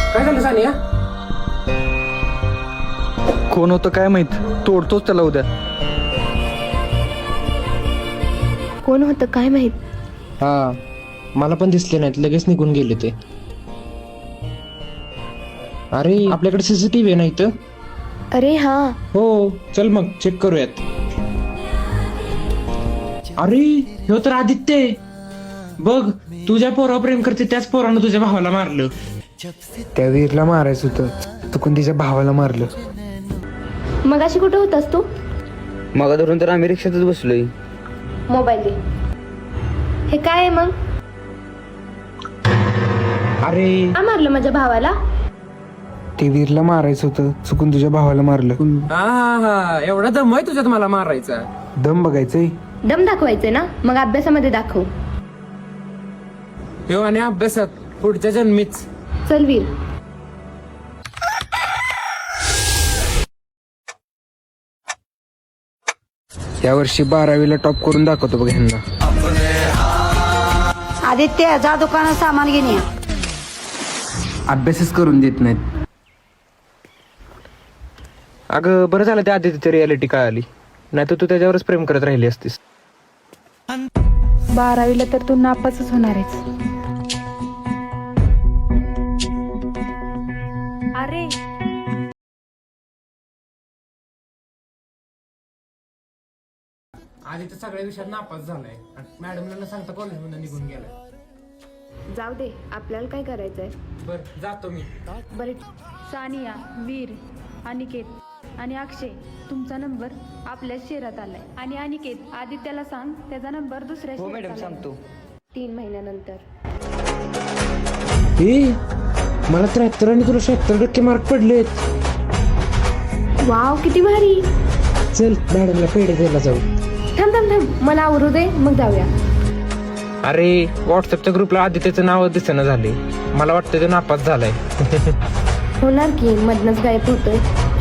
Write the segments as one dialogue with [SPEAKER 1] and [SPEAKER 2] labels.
[SPEAKER 1] काय झालं सानिया?
[SPEAKER 2] कोण होतं काय माहित, तोडतोच त्याला उद्या.
[SPEAKER 3] कोण होतं काय माहित.
[SPEAKER 1] हा, मला पण दिसले नाहीत, लगेच निघून गेले ते. अरे आपल्याकडे सीसीटीव्ही नाही तर.
[SPEAKER 3] अरे हा,
[SPEAKER 1] हो, चल मग चेक करूयात. अरे ह्यो तर आदित्य आहे. बघ, तुझ्या पोरावर प्रेम करते त्याच पोरानं तुझ्या भावाला मारलं.
[SPEAKER 4] त्या वीरला मारायचं होतं, चुकून तिच्या भावाला मारलं.
[SPEAKER 3] मगाशी कुठं होतास तू?
[SPEAKER 5] मग धरून तर आम्ही रिक्षातच बसलोय.
[SPEAKER 3] मोबाईल दे. हे काय आहे मग?
[SPEAKER 1] अरे
[SPEAKER 3] का मारलं माझ्या भावाला?
[SPEAKER 4] ते वीरला मारायचं होतं, चुकून तुझ्या भावाला मारलं.
[SPEAKER 1] हा, एवढा दम आहे तुझ्यात मला मारायचा.
[SPEAKER 4] दम बघायचंय.
[SPEAKER 3] दम दाखवायचे ना, मग अभ्यासामध्ये दाखव.
[SPEAKER 1] ह्यो आणि अभ्यासात पुढच्या जन्मीच.
[SPEAKER 3] चल वीर.
[SPEAKER 4] या वर्षी 12वीला टॉप करून दाखवतो बघ ह्यांना.
[SPEAKER 6] आदित्य जा दुकानात सामान घेऊन या.
[SPEAKER 4] अभ्यासच करून देत नाहीत.
[SPEAKER 1] अगं बरं झालं त्या आदित्यची रियालिटी कळाली, नाही तर तू त्याच्यावरच प्रेम करत राहिली असतीस.
[SPEAKER 7] 12वीला तर तू नापासच होणार आहेस. अरे
[SPEAKER 1] आदित्य सगळ्या विषयात नापास झालाय, मॅडमला न सांगता कॉलेजमध्ये निघून गेलाय.
[SPEAKER 3] जाऊ दे, आपल्याला काय करायचंय.
[SPEAKER 1] बर जातो मी.
[SPEAKER 3] बरे,
[SPEAKER 7] सानिया, वीर, अनिकेत आणि अक्षय, तुमचा नंबर आपल्या शेरात आलाय. आणि अनिकेत, आदित्याला सांग त्याचा नंबर दुसऱ्या
[SPEAKER 5] हो
[SPEAKER 7] शेरात
[SPEAKER 5] मॅडम,
[SPEAKER 7] आलाय.
[SPEAKER 5] सांगतो.
[SPEAKER 3] 3 महिन्यानंतर.
[SPEAKER 1] मला 73 आणि तुला 76% मार्क पडलेत.
[SPEAKER 3] वाव, किती भारी.
[SPEAKER 1] चल मॅडमला पेढे द्यायला जाऊ.
[SPEAKER 3] थांब थांब थांब, मला आवरू दे, मग जाऊया.
[SPEAKER 1] अरे व्हॉट्सअपच्या ग्रुपला आदित्यचं नाव दिसेना झाले, मला वाटतं तो नापास झालाय.
[SPEAKER 3] होणार की, मधनच गायब होतोय.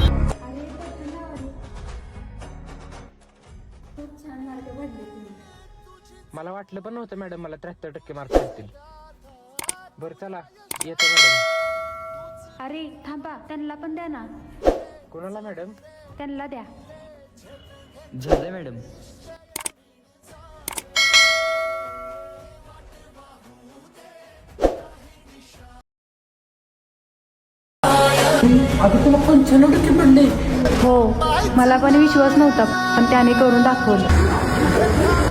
[SPEAKER 1] मला वाटलं पण नव्हतं मॅडम मला 73% मार्क पडतील. बरं चला, येतो मॅडम.
[SPEAKER 7] अरे थांबा, त्यांना पण द्या ना.
[SPEAKER 1] कोणाला मॅडम?
[SPEAKER 7] त्यांना द्या.
[SPEAKER 5] झालंय मॅडम.
[SPEAKER 1] तुला 95% पडले.
[SPEAKER 7] हो, मला पण विश्वास नव्हता, पण त्याने करून दाखवलं.